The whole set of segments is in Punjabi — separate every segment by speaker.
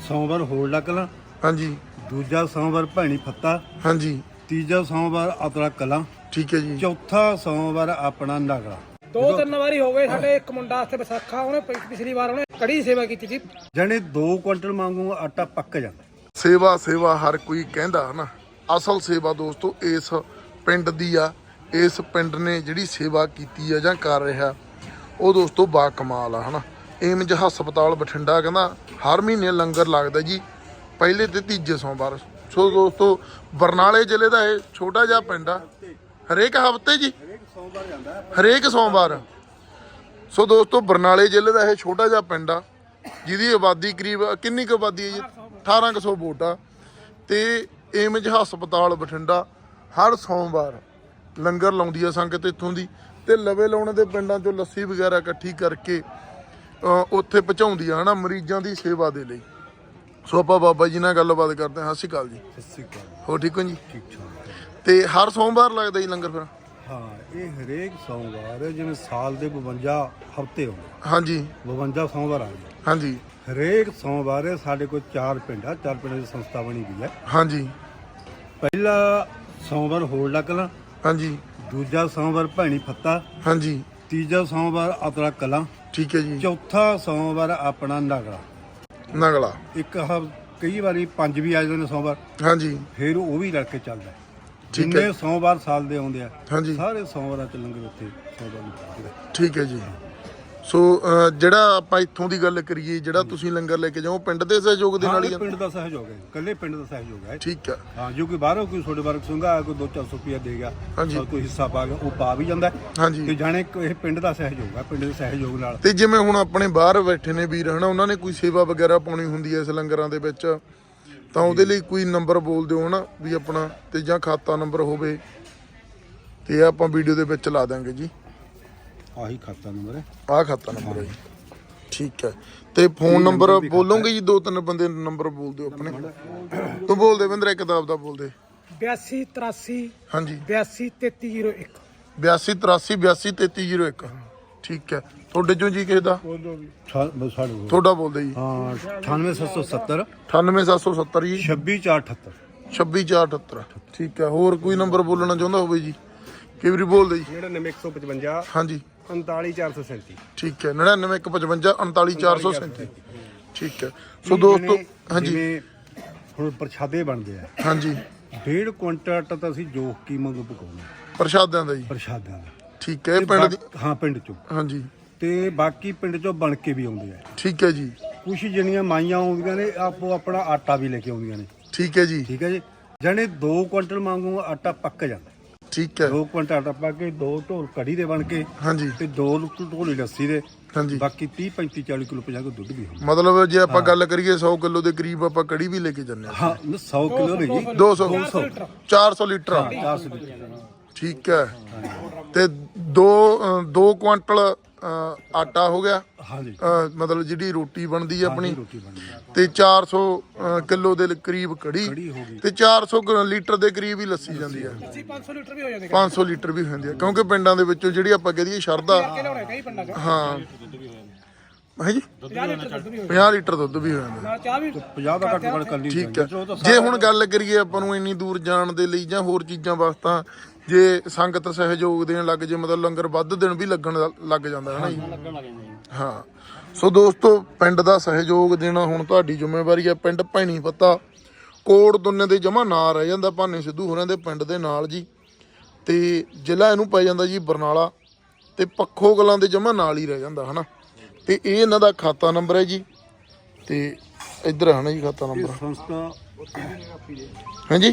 Speaker 1: ਸੋਮਵਾਰ ਹੋਲਡਾ ਕਲਾਂ,
Speaker 2: ਹਾਂਜੀ।
Speaker 1: ਦੂਜਾ ਸੋਮਵਾਰ ਭੈਣੀ ਫੱਤਾ,
Speaker 2: ਹਾਂਜੀ
Speaker 1: ਤੀਜਾ ਸੋਮਵਾਰ ਅਤਲਾ ਕਲਾਂ,
Speaker 2: ਠੀਕ ਹੈ ਜੀ।
Speaker 1: ਚੌਥਾ ਸੋਮਵਾਰ ਆਪਣਾ ਨਗਲਾ।
Speaker 3: 2-3 ਵਾਰੀ ਹੋ ਗਏ ਸਾਡੇ। ਇੱਕ ਮੁੰਡਾ ਵਾਸਤੇ ਵਿਸਾਖਾ ਉਹਨੇ ਪਿਛਲੀ ਵਾਰ ਉਹਨੇ ਕੜੀ ਸੇਵਾ ਕੀਤੀ ਸੀ।
Speaker 1: ਜਾਣੇ 2 ਕੁਇੰਟਲ ਵਾਂਗੂ ਆਟਾ ਪੱਕ ਜਾਂਦਾ।
Speaker 2: ਸੇਵਾ ਹਰ ਕੋਈ ਕਹਿੰਦਾ ਹਨਾ। ਅਸਲ ਸੇਵਾ ਦੋਸਤੋ ਇਸ ਪਿੰਡ ਦੀ ਆ। ਇਸ ਪਿੰਡ ਨੇ ਜਿਹੜੀ ਸੇਵਾ ਕੀਤੀ ਆ ਜਾਂ ਕਰ ਰਿਹਾ ਉਹ ਦੋਸਤੋ ਬਾ ਕਮਾਲ ਆ ਹਨਾ। ਏਮਜ ਹਸਪਤਾਲ ਬਠਿੰਡਾ ਕਹਿੰਦਾ ਹਰ ਮਹੀਨੇ ਲੰਗਰ ਲੱਗਦਾ ਜੀ ਪਹਿਲੇ ਤੇ ਤੀਜੇ ਸੋਮਵਾਰ। ਸੋ ਦੋਸਤੋ ਬਰਨਾਲੇ ਜ਼ਿਲ੍ਹੇ ਦਾ ਇਹ ਛੋਟਾ ਜਿਹਾ ਪਿੰਡ ਆ। ਹਰੇਕ ਹਫ਼ਤੇ ਜੀ ਹਰੇਕ ਸੋਮਵਾਰ। ਸੋ ਦੋਸਤੋ ਬਰਨਾਲੇ ਜ਼ਿਲ੍ਹੇ ਦਾ ਇਹ ਛੋਟਾ ਜਿਹਾ ਪਿੰਡ ਆ ਜਿਹਦੀ ਆਬਾਦੀ ਕਰੀਬ ਕਿੰਨੀ ਕੁ ਆਬਾਦੀ ਹੈ ਜੀ 1800 ਵੋਟ ਆ। ਤੇ ਏਮਜ ਹਸਪਤਾਲ ਬਠਿੰਡਾ ਹਰ ਸੋਮਵਾਰ ਲੰਗਰ ਲਾਉਂਦੀ ਆ ਸੰਗਤ ਇੱਥੋਂ ਦੀ। ਤੇ ਲਵੇ ਲਾਉਣੇ ਦੇ ਪਿੰਡਾਂ ਚੋਂ ਲੱਸੀ ਵਗੈਰਾ ਇਕੱਠੀ ਕਰਕੇ ਉੱਥੇ ਪਹੁੰਚਾਉਂਦੀ ਆ ਹਨਾ ਮਰੀਜ਼ਾਂ ਦੀ ਸੇਵਾ ਦੇ ਲਈ। ਸੋ ਆਪਾਂ ਬਾਬਾ ਜੀ ਨਾਲ ਗੱਲਬਾਤ ਕਰਦੇ ਹਾਂ। ਸਤਿ ਸ਼੍ਰੀ ਅਕਾਲ ਜੀ।
Speaker 1: ਸਤਿ ਸ਼੍ਰੀ ਅਕਾਲ।
Speaker 2: ਹੋ ਠੀਕ ਹੋ ਜੀ?
Speaker 1: ਠੀਕ ਠਾਕ।
Speaker 2: ਤੇ ਹਰ ਸੋਮਵਾਰ ਲੱਗਦਾ ਜੀ ਲੰਗਰ ਫਿਰ?
Speaker 1: ਹਾਂ, ਇਹ ਹਰੇਕ ਸੋਮਵਾਰ ਜਿਵੇਂ ਸਾਲ ਦੇ 52 ਹਫ਼ਤੇ ਹੁੰਦੇ।
Speaker 2: ਹਾਂਜੀ
Speaker 1: 52 ਸੋਮਵਾਰ ਆ ਗਏ।
Speaker 2: ਹਾਂਜੀ
Speaker 1: ਹਰੇਕ ਸੋਮਵਾਰ ਸਾਡੇ ਕੋਲ 4 ਪਿੰਡ ਆ। 4 ਪਿੰਡਾਂ ਦੀ ਸੰਸਥਾ ਬਣੀ ਗਈ ਹੈ।
Speaker 2: ਹਾਂਜੀ
Speaker 1: ਪਹਿਲਾ ਸੋਮਵਾਰ ਹੋਲਡਾ ਕਲਾਂ,
Speaker 2: ਹਾਂਜੀ
Speaker 1: ਦੂਜਾ ਸੋਮਵਾਰ ਭੈਣੀ ਫੱਤਾ,
Speaker 2: ਹਾਂਜੀ
Speaker 1: ਤੀਜਾ ਸੋਮਵਾਰ ਅਤਲਾ ਕਲਾਂ,
Speaker 2: ਠੀਕ ਹੈ ਜੀ।
Speaker 1: ਚੌਥਾ ਸੋਮਵਾਰ ਆਪਣਾ ਨਗਲਾ।
Speaker 2: ਨਗਲਾ
Speaker 1: ਕਈ ਵਾਰੀ 5 ਵੀ ਆ ਜਾਂਦੇ ਨੇ ਸੋਮਵਾਰ।
Speaker 2: ਹਾਂਜੀ
Speaker 1: ਫਿਰ ਉਹ ਵੀ ਲੜ ਕੇ ਚੱਲਦਾ।
Speaker 2: ਠੀਕ ਹੈ।
Speaker 1: ਜਿੰਨੇ ਸੋਮਵਾਰ ਸਾਲ ਦੇ ਆਉਂਦੇ ਆ
Speaker 2: ਹਾਂਜੀ
Speaker 1: ਸਾਰੇ ਸੋਮਵਾਰਾਂ ਚ ਲੰਗਰ ਉੱਥੇ ਸੋਮਵਾਰ ਨੂੰ ਪਹੁੰਚਦਾ।
Speaker 2: ਠੀਕ ਹੈ ਜੀ। ਸੋ ਜਿਹੜਾ ਆਪਾਂ ਇੱਥੋਂ ਦੀ ਗੱਲ ਕਰੀਏ ਜਿਹੜਾ ਤੁਸੀਂ ਲੰਗਰ ਲੈ ਕੇ ਜਾਓ ਪਿੰਡ ਦੇ ਸਹਿਯੋਗ ਦੇ ਨਾਲ ਹੀ
Speaker 1: ਪਿੰਡ ਦਾ ਸਹਿਯੋਗ ਹੈ। ਇਕੱਲੇ ਪਿੰਡ ਦਾ ਸਹਿਯੋਗ ਹੈ।
Speaker 2: ਠੀਕ ਹੈ।
Speaker 1: ਹਾਂ, ਜੋ ਕੋਈ ਬਾਹਰੋਂ ਕੋਈ ਤੁਹਾਡੇ ਬਾਰੇ ਸੰਘਾ ਕੋਈ 200-400 ਰੁਪਇਆ ਦੇ ਗਿਆ,
Speaker 2: ਹਾਂਜੀ।
Speaker 1: ਕੋਈ ਹਿੱਸਾ ਪਾ ਗਿਆ, ਉਹ ਪਾ ਵੀ ਜਾਂਦਾ।
Speaker 2: ਹਾਂਜੀ
Speaker 1: ਤੇ ਜਾਣੇ ਇਹ ਪਿੰਡ ਦਾ ਸਹਿਯੋਗ ਹੈ। ਪਿੰਡ ਦੇ ਸਹਿਯੋਗ ਨਾਲ
Speaker 2: ਤੇ ਜਿਵੇਂ ਹੁਣ ਆਪਣੇ ਬਾਹਰ ਬੈਠੇ ਨੇ ਵੀਰ ਹਨਾ ਉਹਨਾਂ ਨੇ ਕੋਈ ਸੇਵਾ ਵਗੈਰਾ ਪਾਉਣੀ ਹੁੰਦੀ ਹੈ ਇਸ ਲੰਗਰਾਂ ਦੇ ਵਿੱਚ ਤਾਂ ਉਹਦੇ ਲਈ ਕੋਈ ਨੰਬਰ ਬੋਲ ਦਿਓ ਹਨਾ ਵੀ ਆਪਣਾ ਤੇ ਜਾਂ ਖਾਤਾ ਨੰਬਰ ਹੋਵੇ ਤੇ ਆਪਾਂ ਵੀਡੀਓ ਦੇ ਵਿੱਚ ਲਾ ਦਾਂਗੇ ਜੀ।
Speaker 1: ਆਹੀ ਖਾਤਾ ਨੰਬਰ ਹੈ।
Speaker 2: ਆਹ ਖਾਤਾ ਨੰਬਰ ਹੈ ਜੀ। ਠੀਕ ਹੈ। ਤੇ ਫੋਨ ਨੰਬਰ ਬੋਲੋਗੇ ਜੀ? 2-3 ਬੰਦੇ ਨੰਬਰ ਬੋਲ ਦਿਓ ਆਪਣੇ। ਤੂੰ ਬੋਲ ਦੇ ਬਿੰਦਰ ਕਿਤਾਬ ਦਾ ਬੋਲ ਦੇ।
Speaker 3: 8283
Speaker 2: ਹਾਂਜੀ
Speaker 3: 823301
Speaker 2: 8283 ਠੀਕ ਹੈ। ਤੁਹਾਡੇ ਚੋਂ ਜੀ ਕਿਸੇ ਦਾ ਤੁਹਾਡਾ ਬੋਲਦੇ ਜੀ?
Speaker 1: ਹਾਂ, 98770
Speaker 2: 98770 ਜੀ
Speaker 1: 26478
Speaker 2: 26478 ਠੀਕ ਹੈ। ਹੋਰ ਕੋਈ ਨੰਬਰ ਬੋਲਣਾ ਚਾਹੁੰਦਾ ਹੋਵੇ ਜੀ? ਕਈ ਵਾਰੀ ਬੋਲਦੇ ਜੀ।
Speaker 3: 99155
Speaker 2: ਹਾਂਜੀ
Speaker 3: 39437
Speaker 2: ਠੀਕ ਹੈ। 99155 39437 ਠੀਕ ਹੈ। ਸੋ ਦੋਸਤੋ ਹਾਂਜੀ
Speaker 1: ਹੁਣ ਪ੍ਰਸ਼ਾਦੇ ਬਣਦੇ ਆ।
Speaker 2: ਹਾਂਜੀ
Speaker 1: 1.5 ਕੁਇੰਟਲ ਆਟਾ ਤਾਂ ਅਸੀਂ ਜੋਖ ਕੀ ਮੰਗੂ ਪਕਾਉਂਦੇ
Speaker 2: ਪ੍ਰਸ਼ਾਦਿਆਂ ਦਾ ਜੀ?
Speaker 1: ਪ੍ਰਸ਼ਾਦਿਆਂ ਦਾ।
Speaker 2: ਠੀਕ ਹੈ। ਇਹ ਪਿੰਡ ਦੀ
Speaker 1: ਹਾਂ, ਪਿੰਡ ਚੋਂ।
Speaker 2: ਹਾਂਜੀ
Speaker 1: ਤੇ ਬਾਕੀ ਪਿੰਡ ਚੋਂ ਬਣ ਕੇ ਵੀ ਆਉਂਦੇ ਆ।
Speaker 2: ਠੀਕ ਹੈ ਜੀ।
Speaker 1: ਕੁਛ ਜਿਹੜੀਆਂ ਮਾਈਆਂ ਆਉਂਦੀਆਂ ਨੇ ਆਪੋ ਆਪਣਾ ਆਟਾ ਵੀ ਲੈ ਕੇ ਆਉਂਦੀਆਂ ਨੇ।
Speaker 2: ਠੀਕ ਹੈ ਜੀ।
Speaker 1: ਠੀਕ ਹੈ ਜੀ। ਜਾਣੇ 2 ਕੁਇੰਟਲ ਵਾਂਗੂ ਆਟਾ ਪੱਕ ਜਾਂਦਾ।
Speaker 2: ਠੀਕ ਹੈ।
Speaker 1: 2 ਕੁਇੰਟਲ ਆਟਾ ਪਾ ਕੇ 2 ਢੋਲ ਕੜੀ ਦੇ ਬਣ ਕੇ
Speaker 2: ਹਾਂਜੀ
Speaker 1: ਤੇ 2 ਢੋਲੀ ਲੱਸੀ ਦੇ।
Speaker 2: ਹਾਂਜੀ
Speaker 1: ਬਾਕੀ 30 35 40 ਕਿਲੋ 50 ਕਿਲੋ ਦੁੱਧ ਵੀ ਹੁੰਦਾ।
Speaker 2: ਮਤਲਬ ਜੇ ਆਪਾਂ ਗੱਲ ਕਰੀਏ 100 ਕਿਲੋ ਦੇ ਕਰੀਬ ਆਪਾਂ ਕੜੀ ਵੀ ਲੈ ਕੇ ਜਾਂਦੇ ਹਾਂ।
Speaker 1: ਹਾਂ, 100 ਕਿਲੋ ਨਹੀਂ ਜੀ,
Speaker 2: 200 400 ਲੀਟਰ
Speaker 1: 400 ਲੀਟਰ।
Speaker 2: ਠੀਕ ਹੈ। ਤੇ 2 ਕੁਆਂਟਲ ਆਟਾ ਹੋ ਗਿਆ।
Speaker 1: ਹਾਂਜੀ,
Speaker 2: ਮਤਲਬ ਜਿਹੜੀ ਰੋਟੀ ਬਣਦੀ ਹੈ ਆਪਣੀ
Speaker 1: ਰੋਟੀ ਬਣਦੀ ਹੈ।
Speaker 2: ਤੇ 400 ਕਿਲੋ ਦੇ ਕਰੀਬ ਕੜੀ
Speaker 1: ਕੜੀ ਹੋ ਗਈ।
Speaker 2: ਤੇ 400 ਲੀਟਰ ਦੇ ਕਰੀਬ ਹੀ ਲੱਸੀ ਜਾਂਦੀ ਹੈ।
Speaker 3: 500 ਲੀਟਰ ਵੀ ਹੋ ਜਾਂਦੇ
Speaker 2: 500 ਲੀਟਰ ਵੀ ਹੁੰਦੀ ਹੈ ਕਿਉਂਕਿ ਪਿੰਡਾਂ ਦੇ ਵਿੱਚੋਂ ਜਿਹੜੀ ਆਪਾਂ ਕਹਿ ਦਈਏ ਸ਼ਰਧਾ
Speaker 3: ਲਿਆਉਣੇ ਕਈ ਪਿੰਡਾਂ ਚ
Speaker 2: ਹਾਂ ਹੈ ਜੀ
Speaker 3: 50 ਲੀਟਰ ਦੁੱਧ ਵੀ ਹੋ
Speaker 2: 50 ਲੀਟਰ ਦੁੱਧ ਵੀ ਹੋ ਜਾਂਦਾ।
Speaker 3: ਨਾਲ ਚਾਹ ਵੀ
Speaker 1: 50 ਦਾ ਘੱਟ ਘੱਟ ਕਰਨੀ
Speaker 2: ਠੀਕ ਹੈ। ਜੇ ਹੁਣ ਗੱਲ ਕਰੀਏ ਆਪਾਂ ਨੂੰ ਇੰਨੀ ਦੂਰ ਜਾਣ ਦੇ ਲਈ ਜਾਂ ਹੋਰ ਚੀਜ਼ਾਂ ਵਾਸਤਾ ਜੇ ਸੰਗਤ ਸਹਿਯੋਗ ਦੇਣ ਲੱਗ ਜੇ ਮਤਲਬ ਲੰਗਰ ਵੱਧ ਦਿਨ ਵੀ ਲੱਗਣ ਲੱਗ ਜਾਂਦਾ ਹੈ ਨਾ ਜੀ। ਹਾਂ ਸੋ ਦੋਸਤੋ ਪਿੰਡ ਦਾ ਸਹਿਯੋਗ ਦੇਣਾ ਹੁਣ ਤੁਹਾਡੀ ਜ਼ਿੰਮੇਵਾਰੀ ਹੈ। ਪਿੰਡ ਭੈਣੀ ਪੱਤਾ ਕੋਟ ਦੁੰਨੇ ਦੇ ਜਮਾ ਨਾਂ ਰਹਿ ਜਾਂਦਾ ਭਾਨੇ ਸਿੱਧੂ ਹੋਰਾਂ ਦੇ ਪਿੰਡ ਦੇ ਨਾਲ ਜੀ। ਤੇ ਜ਼ਿਲ੍ਹਾ ਇਹਨੂੰ ਪੈ ਜਾਂਦਾ ਜੀ ਬਰਨਾਲਾ ਤੇ ਪੱਖੋ ਕਲਾਂ ਦੇ ਜਮਾ ਨਾਲ ਹੀ ਰਹਿ ਜਾਂਦਾ ਹਨਾ। ਤੇ ਇਹ ਇਹਨਾਂ ਦਾ ਖਾਤਾ ਨੰਬਰ ਹੈ ਜੀ। ਤੇ ਇੱਧਰ ਹੈ ਨਾ ਜੀ ਖਾਤਾ ਨੰਬਰ
Speaker 1: ਸੰਸਥਾ
Speaker 2: ਹਾਂਜੀ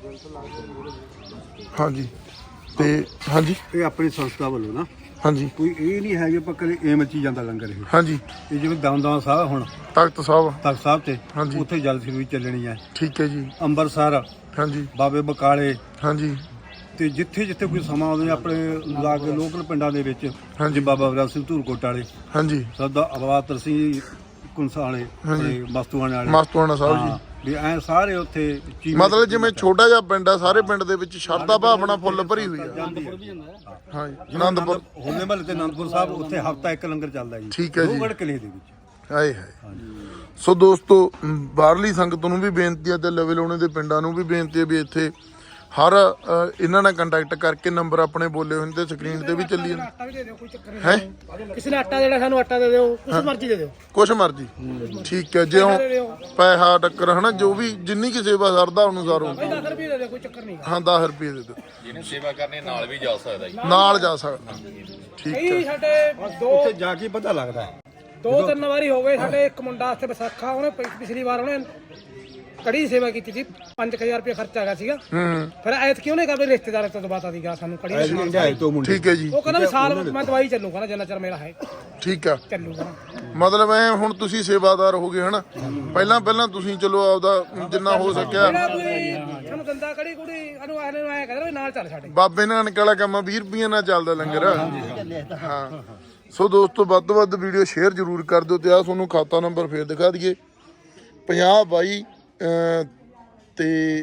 Speaker 2: ਹਾਂਜੀ ਤੇ ਹਾਂਜੀ
Speaker 1: ਇਹ ਆਪਣੀ ਸੰਸਥਾ ਵੱਲੋਂ ਨਾ
Speaker 2: ਹਾਂਜੀ
Speaker 1: ਕੋਈ ਇਹ ਨਹੀਂ ਹੈ ਕਿ ਆਪਾਂ ਕਦੇ ਏਮ ਚ ਹੀ ਜਾਂਦਾ ਲੰਗਰ। ਇਹ
Speaker 2: ਹਾਂਜੀ
Speaker 1: ਜਿਵੇਂ ਦਮਦਮਾ ਸਾਹਿਬ ਹੁਣ
Speaker 2: ਤਖਤ ਸਾਹਿਬ
Speaker 1: ਤਖਤ ਸਾਹਿਬ ਤੇ
Speaker 2: ਹਾਂਜੀ।
Speaker 1: ਉੱਥੇ ਜਲ ਸੇਵਾ ਵੀ ਚੱਲਣੀ ਹੈ।
Speaker 2: ਠੀਕ ਹੈ ਜੀ।
Speaker 1: ਅੰਮ੍ਰਿਤਸਰ
Speaker 2: ਹਾਂਜੀ
Speaker 1: ਬਾਬੇ ਬਕਾਲੇ
Speaker 2: ਹਾਂਜੀ
Speaker 1: ਤੇ ਜਿੱਥੇ ਜਿੱਥੇ ਕੋਈ ਸਮਾਂ ਆਉਂਦੇ ਆਪਣੇ ਲਾਗੇ ਲੋਕਲ ਪਿੰਡਾਂ ਦੇ ਵਿੱਚ
Speaker 2: ਹਾਂਜੀ।
Speaker 1: ਬਾਬਾ ਵਰਾ ਸਿੰਘ ਧੂਰਕੋਟ ਵਾਲੇ
Speaker 2: ਹਾਂਜੀ
Speaker 1: ਸਰਦਾ ਅਵਾਤਰ ਸਿੰਘ ਕੁੰਸਾਲੇ
Speaker 2: ਹਾਂਜੀ।
Speaker 1: ਮਸਤੂਆਣੇ ਵਾਲੇ
Speaker 2: ਮਸਤੂਆਣਾ ਸਾਹਿਬ ਜੀ।
Speaker 1: ਹਾਂ, ਵੀ ਐ ਸਾਰੇ ਉੱਥੇ
Speaker 2: ਮਤਲਬ ਜਿਵੇਂ ਛੋਟਾ ਜਿਹਾ ਪਿੰਡ ਆ ਸਾਰੇ ਪਿੰਡ ਦੇ ਵਿੱਚ ਸ਼ਰਧਾ ਭਾਵਨਾ ਫੁੱਲ ਭਰੀ ਹੋਈ ਆ। ਹਾਂਜੀ ਆਨੰਦਪੁਰ
Speaker 1: ਹੋਲੇ ਮਹੱਲੇ ਤੇ ਆਨੰਦਪੁਰ ਸਾਹਿਬ ਉੱਥੇ ਹਫਤਾ ਇੱਕ ਲੰਗਰ ਚੱਲਦਾ ਜੀ।
Speaker 2: ਠੀਕ ਹੈ ਜੀ।
Speaker 1: ਲੋਹਗੜ੍ਹ ਕਿਲੇ ਦੇ ਵਿੱਚ।
Speaker 2: ਹਾਏ ਹਾਏ ਸੋ ਦੋਸਤੋ ਬਾਹਰਲੀ ਸੰਗਤ ਨੂੰ ਵੀ ਬੇਨਤੀ ਹੈ ਤੇ ਲਵੇ ਲਾਉਣੇ ਦੇ ਪਿੰਡਾਂ ਨੂੰ ਵੀ ਬੇਨਤੀ ਹੈ ਵੀ ਇੱਥੇ ਹਰ ਇਹਨਾਂ ਨਾਲ ਕੰਟੈਕਟ ਕਰਕੇ ਨੰਬਰ ਆਪਣੇ ਬੋਲੇ ਹੋਏ ਤੇ ਸਕਰੀਨ ਤੇ ਵੀ ਚੱਲੀ ਜਾਂਦੇ
Speaker 3: ਆਟਾ ਵੀ ਦੇ ਦਿਓ, ਕੋਈ ਚੱਕਰ
Speaker 2: ਹੈ।
Speaker 3: ਨਹੀਂ। ਕਿਸੇ ਨੇ ਆਟਾ ਦੇਣਾ ਸਾਨੂੰ ਆਟਾ ਦੇ ਦਿਓ, ਕੁਛ ਮਰਜ਼ੀ ਦੇ ਦਿਓ।
Speaker 2: ਕੁਛ ਮਰਜੀ ਠੀਕ ਹੈ, ਜੇ ਪੈਸਾ ਟੱਕਰ ਹਨਾ ਜੋ ਵੀ ਜਿੰਨੀ ਕੀ ਸੇਵਾ ਸਰਦਾ ਅਨੁਸਾਰ ਹੋ।
Speaker 3: ਭਾਈ 10 ਰੁਪਏ ਦੇ ਦਿਓ, ਕੋਈ ਚੱਕਰ ਨਹੀਂ।
Speaker 2: ਹਾਂ 10 ਰੁਪਏ ਦੇ ਦਿਓ,
Speaker 4: ਜਿਹਨੂੰ ਸੇਵਾ ਕਰਨੀ ਨਾਲ ਵੀ ਜਾ ਸਕਦਾ ਜੀ।
Speaker 2: ਨਾਲ ਜਾ ਸਕਦਾ। ਠੀਕ ਹੈ
Speaker 3: ਕਈ ਸਾਡੇ
Speaker 1: ਉੱਥੇ ਜਾ ਕੇ ਪਤਾ ਲੱਗਦਾ ਹੈ।
Speaker 3: 2-3 ਵਾਰੀ ਹੋ ਗਏ। ਸਾਡੇ ਇੱਕ ਮੁੰਡਾ ਇੱਥੇ ਵਿਸਾਖਾ, ਉਹਨੇ ਪਿਛਲੀ ਵਾਰ ਉਹਨੇ ਕੜੀ ਦੀ ਸੇਵਾ ਕੀਤੀ ਸੀ। 5000 ਰੁਪਏ ਖਰਚਾ ਹੈਗਾ ਸੀਗਾ। ਫਿਰ ਐਤ ਕਿਉਂ ਨਹੀਂ ਕਰਦੇ ਰਿਸ਼ਤੇਦਾਰਾਂ ਤੋਂ ਦਬਾਤਾ ਸੀਗਾ ਸਾਨੂੰ ਕੜੀ ਦਾ ਸਮਾਨ।
Speaker 2: ਠੀਕ ਹੈ ਜੀ,
Speaker 3: ਉਹ ਕਹਿੰਦਾ ਵੀ ਸਾਲ ਮੈਂ ਦਵਾਈ ਚੱਲੂ, ਕਹਿੰਦਾ ਜਿੰਨਾ ਚਿਰ ਮੇਰਾ ਹੈ
Speaker 2: ਠੀਕ ਆ।
Speaker 3: ਚੱਲੂਗਾ।
Speaker 2: ਮਤਲਬ ਐ ਹੁਣ ਤੁਸੀਂ ਸੇਵਾਦਾਰ ਹੋ ਗਏ ਹਨਾ। ਪਹਿਲਾਂ ਤੁਸੀਂ ਚਲੋ ਆਪਦਾ ਜਿੰਨਾ ਹੋ ਸਕਿਆ
Speaker 3: ਜਿਹੜਾ ਕੋਈ ਸਾਨੂੰ ਦੰਦਾ ਕੜੀ ਕੁੜੀ ਇਹਨੂੰ ਆਹਲੇ ਨੂੰ ਆਇਆ ਕਹਿੰਦਾ ਵੀ ਨਾਲ ਚੱਲ ਸਾਡੇ।
Speaker 2: ਬਾਬੇ ਨਾਨਕ ਵਾਲਾ ਕੰਮ 20 ਰੁਪਏ ਨਾਲ ਚੱਲਦਾ ਲੰਗਰ। ਹਾਂ ਸੋ ਦੋਸਤੋ ਵੱਧ ਤੋਂ ਵੱਧ ਵੀਡੀਓ ਸ਼ੇਅਰ ਜ਼ਰੂਰ ਕਰ ਦਿਓ ਤੇ ਆ ਤੁਹਾਨੂੰ ਖਾਤਾ ਨੰਬਰ ਫੇਰ ਦਿਖਾ ਦਈਏ 50 22 ਤੇ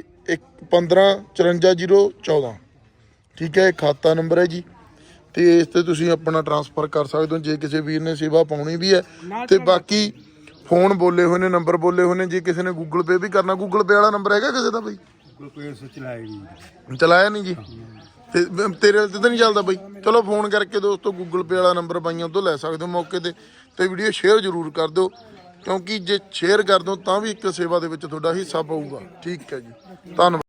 Speaker 2: 155414। ਠੀਕ ਹੈ, ਇਹ ਖਾਤਾ ਨੰਬਰ ਹੈ ਜੀ ਤੇ ਇਸ ਤੇ ਤੁਸੀਂ ਆਪਣਾ ਟ੍ਰਾਂਸਫਰ ਕਰ ਸਕਦੇ ਹੋ ਜੇ ਕਿਸੇ ਵੀਰ ਨੇ ਸੇਵਾ ਪਾਉਣੀ ਵੀ ਹੈ। ਤੇ ਬਾਕੀ ਫੋਨ ਬੋਲੇ ਹੋਏ ਨੇ, ਨੰਬਰ ਬੋਲੇ ਹੋਏ ਨੇ। ਜੇ ਕਿਸੇ ਨੇ ਗੂਗਲ ਪੇ ਵੀ ਕਰਨਾ, ਗੂਗਲ ਪੇ ਵਾਲਾ ਨੰਬਰ ਹੈਗਾ ਕਿਸੇ ਦਾ ਬਈ? ਚਲਾਇਆ ਨਹੀਂ ਜੀ ਤੇ ਤੇਰੇ ਤੇ ਤਾਂ ਨਹੀਂ ਚੱਲਦਾ ਬਈ। ਚਲੋ ਫੋਨ ਕਰਕੇ ਦੋਸਤੋ ਗੂਗਲ ਪੇ ਵਾਲਾ ਨੰਬਰ ਬਾਈਆਂ ਤੋਂ ਲੈ ਸਕਦੇ ਹੋ ਮੌਕੇ ਤੇ ਵੀਡੀਓ ਸ਼ੇਅਰ ਜ਼ਰੂਰ ਕਰ ਦਿਓ ਕਿਉਂਕਿ ਜੇ ਸ਼ੇਅਰ ਕਰ ਦਿਓ ਤਾਂ ਵੀ ਇੱਕ ਸੇਵਾ ਦੇ ਵਿੱਚ ਤੁਹਾਡਾ ਹਿੱਸਾ ਪਊਗਾ। ਠੀਕ ਹੈ ਜੀ, ਧੰਨਵਾਦ।